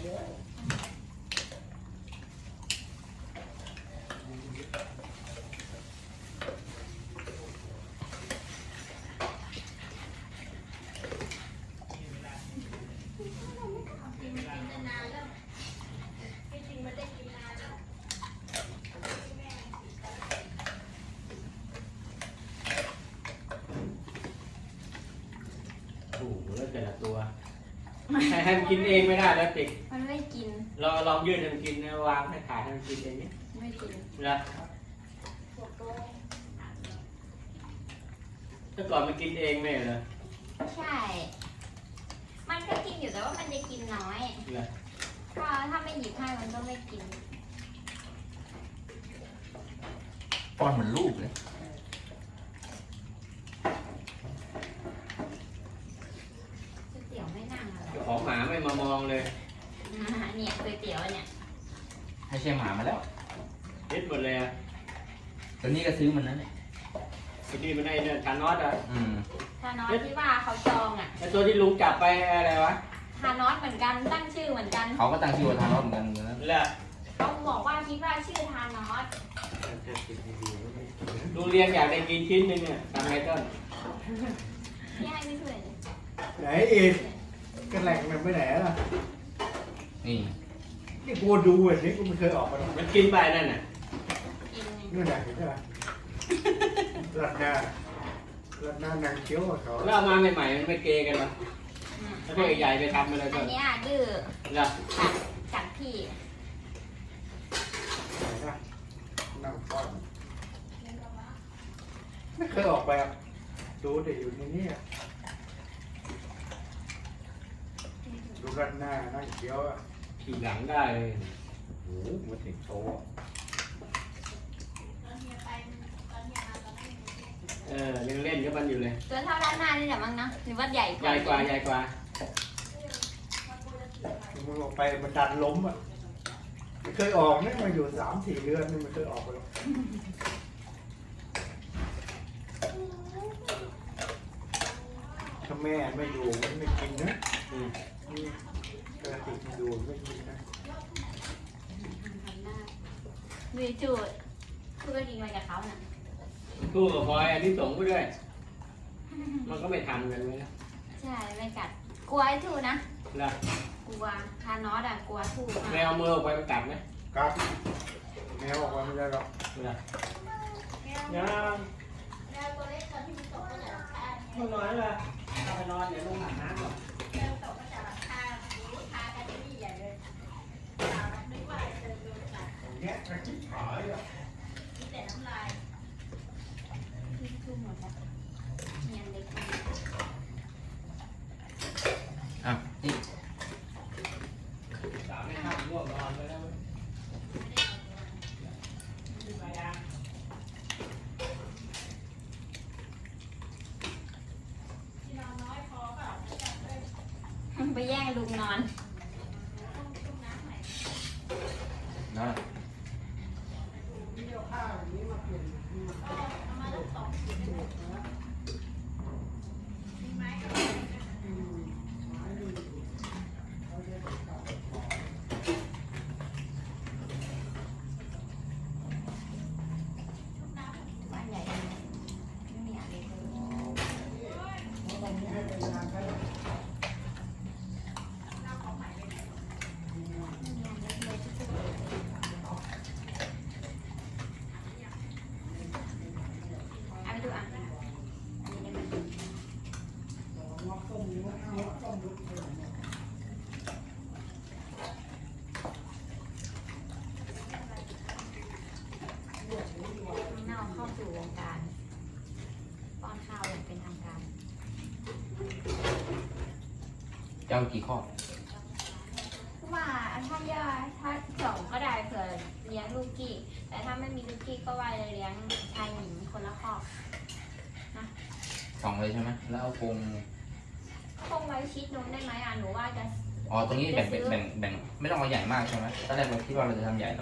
โอ้โหแล้วแต่ละตัวให้มันกินเองไม่ได้แล้วติ๊กมันไม่กินลองยืดให้มันกินนะวางให้ถ่ายให้มันกินเองนี่ไม่กินนะแต่ก่อนมันกินเองไม่เหรอใช่มันก็กินอยู่แต่ว่ามันจะกินน้อยก็ถ้าไม่หยิบให้มันก็ไม่กินป้อนเหมือนลูกเลยก๋วยเตี๋ยวไม่นั่งอะไรของหมาไม่มามองเลยเนี่ยก๋วยเตี๋ยวเนี่ยให้เชี่ยหมามาแล้วเด็ดหมดเลยอ่ะตัวนี้ก็ซื้อมันนั่นแหละตัวนี้มันได้เนี่ยทานอสอ่ะทานอสที่ว่าเขาจองอ่ะไอตัวที่ลุงจับไปอะไรวะทานอสเหมือนกันตั้งชื่อเหมือนกันเขาก็ตั้งชื่อว่าทานอสเหมือนกันนะแล้วเขาบอกว่าคิดว่าชื่อทานอสลุงเรียนอยากได้กินชิ้นนึงเนี่ยทำไงต้นพี่ให้ไม่ช่วยไหนอีกกระแหล่งมันไปไหนล่ะนี่กูดูอ่ะนี่กูไม่เคยออกมามันกินไปนั่นน่ะนู่นไหนเห็นไหมรัดหน้านางเคี้ยวเขาแล้วเอามาใหม่ๆมันไม่เกกันหรอแล้วพวกใหญ่ไปทำอะไรก็อันนี้ดื้อกัดพี่นั่งป้อนไม่เคยออกไปอ่ะดูแต่อยู่ในนี้ดูรัดหน้านั่งเคี้ยวอ่ะขี่หลังได้เลยโอ้โหมันถึงโตยังเล่นกับมันอยู่เลยตัวเท่าด้านหน้านี่แหละมั้งนะหรือว่าใหญ่กว่าใหญ่กว่ามันออกไปมันดันล้มอ่ะไม่เคยออกเนี่ยมาอยู่3-4 เดือนไม่เคยออกไปหรอกถ้าแม่ไม่อยู่มันไม่กินนะกระติกมันอยู่ไม่กินนะมีจูดคือก็กินไปกับเขาน่ะตู้กับพลอยอันนี้ส่งไปด้วยมันก็ไม่ทำกันเลยนะใช่ไม่กัดกลัวไอ้ทูนะล่ะกลัวทานอสกลัวทูแมวมือออกไปมันกัดไหมกัดแมวออกไปไม่ได้หรอกล่ะแมวตัวเล็กตอนที่มันตกก็จะราคามันนอนเลยเอาไปนอนเดี๋ยวลงหาน้ำก่อนแมวตกก็จะราคากันที่ใหญ่เลยนึกว่าเจอโดนกัดอย่างเงี้ยกระชิบหายอ่ะมีแต่น้ำลายทุ่มหมดแล้วเงียนเล็กนี่สาวไม่ข้ามง่วงนอนไปแล้วไปแย่งลุงนอนนั่นเข้าสู่วงการป้อนข้าวอย่างเป็นทางการเจ้ากี่ข้อว่าถ้าย่าถ้า2ก็ได้เผื่อเลี้ยงลูกกี้แต่ถ้าไม่มีลูกกี้ก็ว่าจะเลี้ยงชายหญิงคนละข้อนะ 2เลยใช่ไหมแล้วเอาคงไว้ชิดนู้นได้ไหมหนูว่าจะตรงนี้แบ่งไม่ต้องเอาใหญ่มากใช่ไหมตอนแรกเราคิดว่าเราจะทำใหญ่